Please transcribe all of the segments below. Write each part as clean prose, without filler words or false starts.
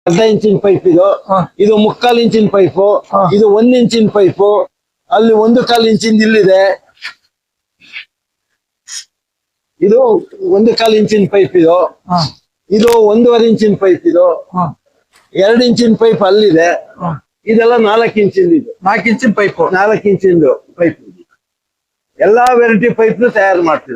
ಅರ್ಧ ಇಂಚಿನ ಪೈಪ್ ಇದು. ಇದು 3/4 ಇಂಚಿನ ಪೈಪು. ಇದು 1 ಇಂಚಿನ ಪೈಪು. ಅಲ್ಲಿ 1/4 ಇಂಚಿನ ಇಲ್ಲಿದೆ. ಇದು 1/4 ಇಂಚಿನ ಪೈಪ್ ಇದು. ಇದು 1.5 ಇಂಚಿನ ಪೈಪ್ ಇದು. 2 ಇಂಚಿನ ಪೈಪ್ ಅಲ್ಲಿದೆ. ಇದೆಲ್ಲ 4 ಇಂಚಿಂದು. ಇದು 4 ಇಂಚಿನ ಪೈಪ್. 4 ಇಂಚಿಂದು ಪೈಪ್. ಎಲ್ಲಾ ವೆರೈಟಿ ಪೈಪ್ ತಯಾರು ಮಾಡ್ತೀವಿ.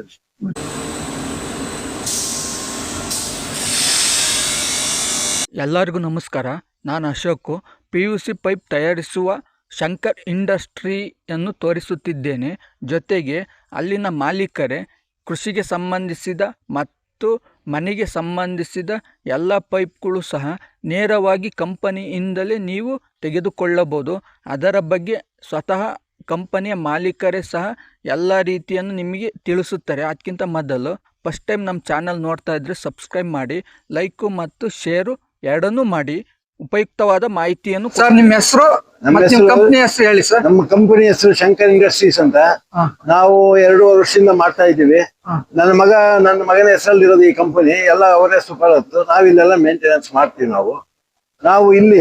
ಎಲ್ಲರಿಗೂ ನಮಸ್ಕಾರ. ನಾನು ಅಶೋಕ್. PVC ಪೈಪ್ ತಯಾರಿಸುವ ಶಂಕರ್ ಇಂಡಸ್ಟ್ರಿಯನ್ನು ತೋರಿಸುತ್ತಿದ್ದೇನೆ. ಜೊತೆಗೆ ಅಲ್ಲಿನ ಮಾಲೀಕರೇ ಕೃಷಿಗೆ ಸಂಬಂಧಿಸಿದ ಮತ್ತು ಮನೆಗೆ ಸಂಬಂಧಿಸಿದ ಎಲ್ಲ ಪೈಪ್ಗಳು ಸಹ ನೇರವಾಗಿ ಕಂಪನಿಯಿಂದಲೇ ನೀವು ತೆಗೆದುಕೊಳ್ಳಬಹುದು. ಅದರ ಬಗ್ಗೆ ಸ್ವತಃ ಕಂಪನಿಯ ಮಾಲೀಕರೇ ಸಹ ಎಲ್ಲ ರೀತಿಯನ್ನು ನಿಮಗೆ ತಿಳಿಸುತ್ತಾರೆ. ಅದಕ್ಕಿಂತ ಮೊದಲು ಫಸ್ಟ್ ಟೈಮ್ ನಮ್ಮ ಚಾನಲ್ ನೋಡ್ತಾ ಇದ್ರೆ ಸಬ್ಸ್ಕ್ರೈಬ್ ಮಾಡಿ, ಲೈಕು ಮತ್ತು ಶೇರು ಎರಡನ್ನೂ ಮಾಡಿ ಉಪಯುಕ್ತವಾದ ಮಾಹಿತಿಯನ್ನು. ಸರ್ ನಿಮ್ಮ ಹೆಸರು ಕಂಪನಿ ಹೆಸರು ಹೇಳಿ ಸರ್. ನಮ್ಮ ಕಂಪನಿ ಹೆಸರು ಶಂಕರ್ ಇಂಡಸ್ಟ್ರೀಸ್ ಅಂತ. ನಾವು 2 ವರ್ಷದಿಂದ ಮಾಡ್ತಾ ಇದ್ದೀವಿ. ನನ್ನ ಮಗನ ಹೆಸರಲ್ಲಿ ಇರೋದು ಈ ಕಂಪನಿ. ಎಲ್ಲ ಅವರೇ ಸುಪರತ್ತು. ನಾವಿಲ್ಲೆಲ್ಲ ಮೇಂಟೆನೆನ್ಸ್ ಮಾಡ್ತೀವಿ. ನಾವು ಇಲ್ಲಿ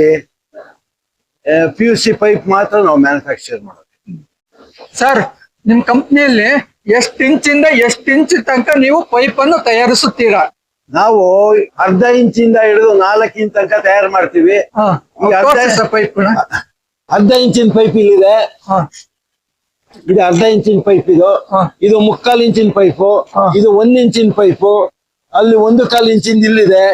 PVC ಪೈಪ್ ಮಾತ್ರ ನಾವು ಮ್ಯಾನುಫ್ಯಾಕ್ಚರ್ ಮಾಡೋದು. ಸರ್ ನಿಮ್ ಕಂಪ್ನಿಯಲ್ಲಿ ಎಷ್ಟು ಇಂಚಿಂದ ಎಷ್ಟು ಇಂಚ್ ತನಕ ನೀವು ಪೈಪ್ ಅನ್ನು ತಯಾರಿಸುತ್ತೀರಾ? ನಾವು ಅರ್ಧ ಇಂಚಿಂದ ಹಿಡಿದು 4 ಇಂಚ್ ತನಕ ತಯಾರು ಮಾಡ್ತೀವಿ. ಪೈಪ್ ಅರ್ಧ ಇಂಚಿನ ಪೈಪ್ ಇಲ್ಲಿದೆ. ಇದು ಅರ್ಧ ಇಂಚಿನ ಪೈಪ್ ಇದು. ಇದು 3/4 ಇಂಚಿನ ಪೈಪು. ಇದು 1 ಇಂಚಿನ ಪೈಪು. ಅಲ್ಲಿ 1/4 ಇಂಚಿಂದ ಇಲ್ಲಿದೆ.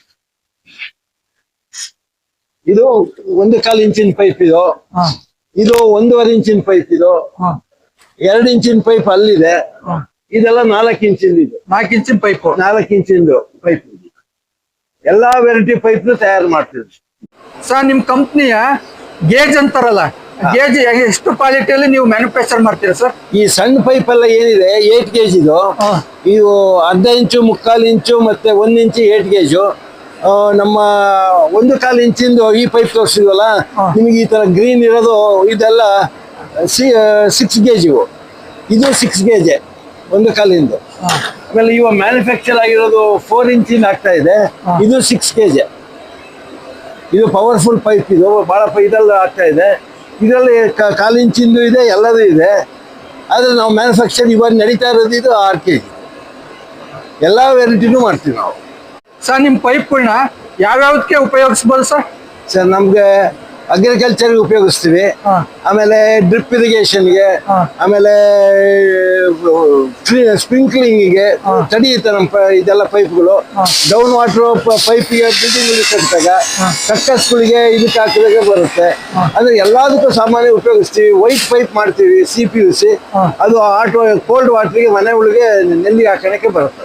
ಇದು 1/4 ಇಂಚಿನ ಪೈಪ್ ಇದು. ಇದು 1.5 ಇಂಚಿನ ಪೈಪ್ ಇದು. 2 ಇಂಚಿನ ಪೈಪ್ ಅಲ್ಲಿದೆ. ಇದೆಲ್ಲ 4 ಇಂಚಿಂದು. ಇದು 4 ಇಂಚಿನ ಪೈಪ್. 4 ಇಂಚಿಂದು ಪೈಪ್. ಎಲ್ಲಾ ವೆರೈಟಿ ಪೈಪ್ ತಯಾರು ಮಾಡ್ತೀವಿ. ಸರ್ ನಿಮ್ ಕಂಪ್ನಿಯ ಗೇಜ್ ಅಂತಾರಲ್ಲ, ಗೇಜ್ ಎಷ್ಟು ಕ್ವಾಲಿಟಿಯಲ್ಲಿ ನೀವು ಮ್ಯಾನುಫ್ಯಾಕ್ಚರ್ ಮಾಡ್ತೀರಾ ಸರ್? ಈ ಸಣ್ಣ ಪೈಪ್ ಎಲ್ಲ ಏನಿದೆ 8 gauge ಇದು. ಇದು ಅರ್ಧ ಇಂಚು, 3/4 ಇಂಚು ಮತ್ತೆ 1 ಇಂಚು 8 gauge. ನಮ್ಮ 1/4 ಇಂಚಿಂದು ಈ ಪೈಪ್ ತೋರಿಸಿದ್ವಲ್ಲ ನಿಮಗೆ, ಈ ತರ ಗ್ರೀನ್ ಇರೋದು ಇದೆಲ್ಲ 6 gauge. ಇದು 6 gauge 1/4 ಇಂದು. ಆಮೇಲೆ ಇವಾಗ ಮ್ಯಾನುಫ್ಯಾಕ್ಚರ್ ಆಗಿರೋದು 4 ಇಂಚಿಂದ ಆಗ್ತಾ ಇದೆ. ಇದು 6 kg. ಇದು ಪವರ್ಫುಲ್ ಪೈಪ್. ಇದು ಬಹಳ ಇದೆಲ್ಲ ಆಗ್ತಾ ಇದೆ. ಇದರಲ್ಲಿ 1/4 ಇಂಚಿಂದು ಇದೆ, ಎಲ್ಲದೂ ಇದೆ. ಆದ್ರೆ ನಾವು ಮ್ಯಾನುಫ್ಯಾಕ್ಚರ್ ಇವಾಗ ನಡೀತಾ ಇರೋದು ಇದು 6 kg. ಎಲ್ಲಾ ವೆರೈಟಿನೂ ಮಾಡ್ತೀವಿ ನಾವು. ಸರ್ ನಿಮ್ ಪೈಪ್ಗಳನ್ನ ಯಾವ್ಯಾವ್ದಕ್ಕೆ ಉಪಯೋಗಿಸ್ಬೋದು ಸರ್? ಸರ್ ನಮ್ಗೆ ಅಗ್ರಿಕಲ್ಚರ್ ಉಪಯೋಗಿಸ್ತೀವಿ. ಆಮೇಲೆ ಡ್ರಿಪ್ ಇರಿಗೇಷನ್ಗೆ, ಆಮೇಲೆ ಸ್ಪ್ರಿಂಕ್ಲಿಂಗಿಗೆ ತಡೆಯುತ್ತೆ ನಮ್ಮ ಇದೆಲ್ಲ ಪೈಪ್ಗಳು. ಡೌನ್ ವಾಟರ್ ಪೈಪಿಗೆ ಬಿಲ್ಡಿಂಗ್ ಕಟ್ಟಿದಾಗ ಕಕ್ಕಸ್ಗಳಿಗೆ ಇದಕ್ಕೆ ಹಾಕಿದಾಗ ಬರುತ್ತೆ. ಅಂದ್ರೆ ಎಲ್ಲದಕ್ಕೂ ಸಾಮಾನ್ಯ ಉಪಯೋಗಿಸ್ತೀವಿ. ವೈಟ್ ಪೈಪ್ ಮಾಡ್ತೀವಿ CPVC. ಅದು ಕೋಲ್ಡ್ ವಾಟರ್ಗೆ ಮನೆ ಒಳಗೆ ನೆಲ್ಲಿಗೆ ಹಾಕೋಣಕ್ಕೆ ಬರುತ್ತೆ.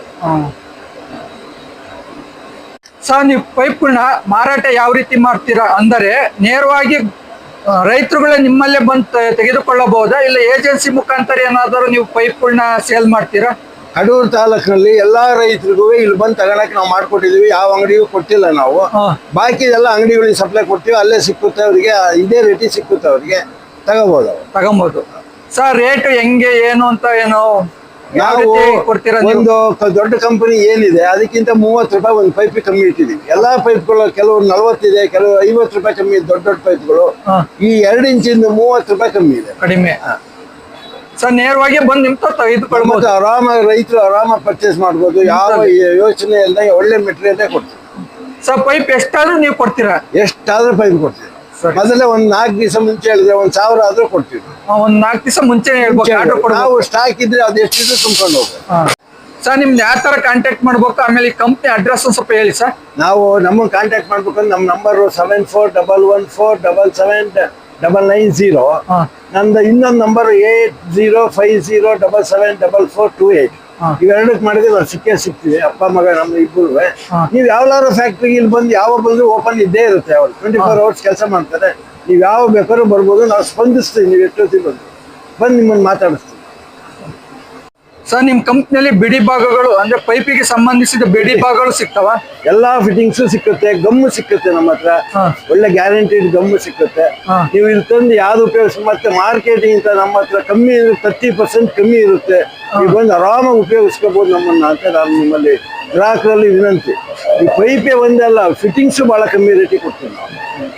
ಸರ್ ನೀವು ಪೈಪ್ಗಳನ್ನ ಮಾರಾಟ ಯಾವ ರೀತಿ ಮಾಡ್ತೀರಾ? ಅಂದರೆ ನೇರವಾಗಿ ರೈತರುಗಳೇ ನಿಮ್ಮಲ್ಲೇ ಬಂದು ತೆಗೆದುಕೊಳ್ಳಬಹುದಾ, ಇಲ್ಲ ಏಜೆನ್ಸಿ ಮುಖಾಂತರ ಏನಾದರೂ ನೀವು ಪೈಪ್ಗಳನ್ನ ಸೇಲ್ ಮಾಡ್ತೀರಾ? ಕಡೂರು ತಾಲೂಕಿನಲ್ಲಿ ಎಲ್ಲಾ ರೈತರಿಗೂ ಇಲ್ಲಿ ಬಂದು ತಗೊಳಕ್ ನಾವು ಮಾಡ್ಕೊಟ್ಟಿದೀವಿ. ಯಾವ ಅಂಗಡಿಗೂ ಕೊಟ್ಟಿಲ್ಲ ನಾವು. ಬಾಕಿ ಎಲ್ಲ ಅಂಗಡಿಗಳಿಗೆ ಸಪ್ಲೈ ಕೊಡ್ತೀವಿ. ಅಲ್ಲೇ ಸಿಕ್ಕುತ್ತೆ ಅವ್ರಿಗೆ, ಇದೇ ರೇಟಿ ಸಿಕ್ಕುತ್ತೆ ಅವ್ರಿಗೆ, ತಗೊಬಹುದು. ಸರ್ ರೇಟ್ ಹೆಂಗೆ ಏನು ಅಂತ ಏನೋ ನಾವು ಒಂದು ದೊಡ್ಡ ಕಂಪನಿ ಏನಿದೆ ಅದಕ್ಕಿಂತ 30 ರೂಪಾಯಿ ಒಂದು ಪೈಪ್ ಕಮ್ಮಿ ಇಟ್ಟಿದೀವಿ. ಎಲ್ಲಾ ಪೈಪ್ಗಳು ಕೆಲವು 40 ಇದೆ, ಕೆಲವು 50 ರೂಪಾಯಿ ಕಮ್ಮಿ ಇದೆ. ದೊಡ್ಡ ಪೈಪ್ಗಳು ಈ 2 ಇಂಚಿಂದ 30 ರೂಪಾಯಿ ಕಮ್ಮಿ ಇದೆ, ಕಡಿಮೆ. ಸರ್ ನೇರವಾಗಿ ಬಂದು ನಿಮ್ಗೆ ತೆಗೆದುಕೊಳ್ಬಹುದು. ಆರಾಮಾಗಿ ರೈತರು ಆರಾಮಾಗಿ ಪರ್ಚೇಸ್ ಮಾಡ್ಬೋದು. ಯಾವ ಯೋಚನೆ ಇಲ್ಲದೆ ಒಳ್ಳೆ ಮೆಟೀರಿಯಲ್ ಕೊಡ್ತೀವಿ. ಸರ್ ಪೈಪ್ ಎಷ್ಟಾದ್ರೂ ನೀವು ಕೊಡ್ತೀರಾ? ಎಷ್ಟಾದ್ರೂ ಪೈಪ್ ಕೊಡ್ತೀವಿ. ಮೊದಲೇ ಒಂದ್ 4 ದಿವಸ ಮುಂಚೆ ಹೇಳಿದ್ರೆ 1000 ಆದ್ರೂ ಕೊಡ್ತೀವಿ. ಒಂದ್ 4 ದಿವಸ ಮುಂಚೆ ನಾವು ಸ್ಟಾಕ್ ಇದ್ರೆ ಅದು ಎಷ್ಟಿದ್ರು ತುಂಬ್ಕೊಂಡು ಹೋಗ್ಬೇಕು. ಸರ್ ನಿಮ್ದು ಯಾವ ತರ ಕಾಂಟ್ಯಾಕ್ಟ್ ಮಾಡ್ಬೇಕು, ಆಮೇಲೆ ಈ ಕಂಪ್ನಿ ಅಡ್ರೆಸ್ ಸ್ವಲ್ಪ ಹೇಳಿ ಸರ್. ನಾವು ನಮ್ಮನ್ನು ಕಾಂಟ್ಯಾಕ್ಟ್ ಮಾಡ್ಬೇಕಂದ್ರೆ ನಮ್ಮ ನಂಬರ್ 7411471790. ನಂದು ಇನ್ನೊಂದು ನಂಬರ್ 8050774428. ಇವೆರಡಕ್ಕೆ ಮಾಡಿದ್ರೆ ನಾವು ಸಿಗ್ತೀವಿ. ಅಪ್ಪ ಮಗ ನಮ್ಮ ಇಬ್ಬರು. ನೀವು ಯಾವ್ದಾದ್ರು ಫ್ಯಾಕ್ಟ್ರಿಗೆ ಇಲ್ಲಿ ಬಂದು ಯಾವ ಬಂದ್ರು ಓಪನ್ ಇದ್ದೇ ಇರುತ್ತೆ. ಅವ್ರು 24 hours ಕೆಲಸ ಮಾಡ್ತಾರೆ. ನೀವು ಯಾವ ಬೇಕಾದ್ರೂ ಬರ್ಬೋದು. ನಾವು ಸ್ಪಂದಿಸ್ತೀವಿ. ನೀವು ಎಷ್ಟೊತ್ತಿಗೆ ಬಂದು ನಿಮ್ಮನ್ನು ಮಾತಾಡಿಸ್ತೀವಿ. ಸರ್ ನಿಮ್ ಕಂಪ್ನಿಯಲ್ಲಿ ಬಿಡಿ ಭಾಗಗಳು ಅಂದ್ರೆ ಪೈಪಿಗೆ ಸಂಬಂಧಿಸಿದ ಬಿಡಿ ಭಾಗಗಳು ಸಿಗ್ತಾವ? ಎಲ್ಲಾ ಫಿಟ್ಟಿಂಗ್ಸ್ ಸಿಕ್ಕುತ್ತೆ. ಗಮ್ಮು ಸಿಕ್ಕುತ್ತೆ ನಮ್ಮ ಹತ್ರ. ಒಳ್ಳೆ ಗ್ಯಾರಂಟಿಡ್ ಗಮ್ಮು ಸಿಕ್ಕುತ್ತೆ. ನೀವು ಇಲ್ಲಿ ತಂದು ಯಾವ್ದು ಉಪಯೋಗಿಸಿ, ಮತ್ತೆ ಮಾರ್ಕೆಟಿಂಗ್ ಅಂತ ನಮ್ಮ ಹತ್ರ ಕಮ್ಮಿ 30% ಕಮ್ಮಿ ಇರುತ್ತೆ. ನೀವು ಬಂದು ಆರಾಮಾಗಿ ಉಪಯೋಗಿಸ್ಕೋಬಹುದು ನಮ್ಮನ್ನ ಅಂತ ನಾನು ನಿಮ್ಮಲ್ಲಿ ಗ್ರಾಹಕರಲ್ಲಿ ವಿನಂತಿ. ಈ ಪೈಪೇ ಒಂದಲ್ಲ, ಫಿಟ್ಟಿಂಗ್ಸು ಭಾಳ ಕಮ್ಮಿ ರೇಟಿಗೆ ಕೊಡ್ತೀವಿ ನಾವು.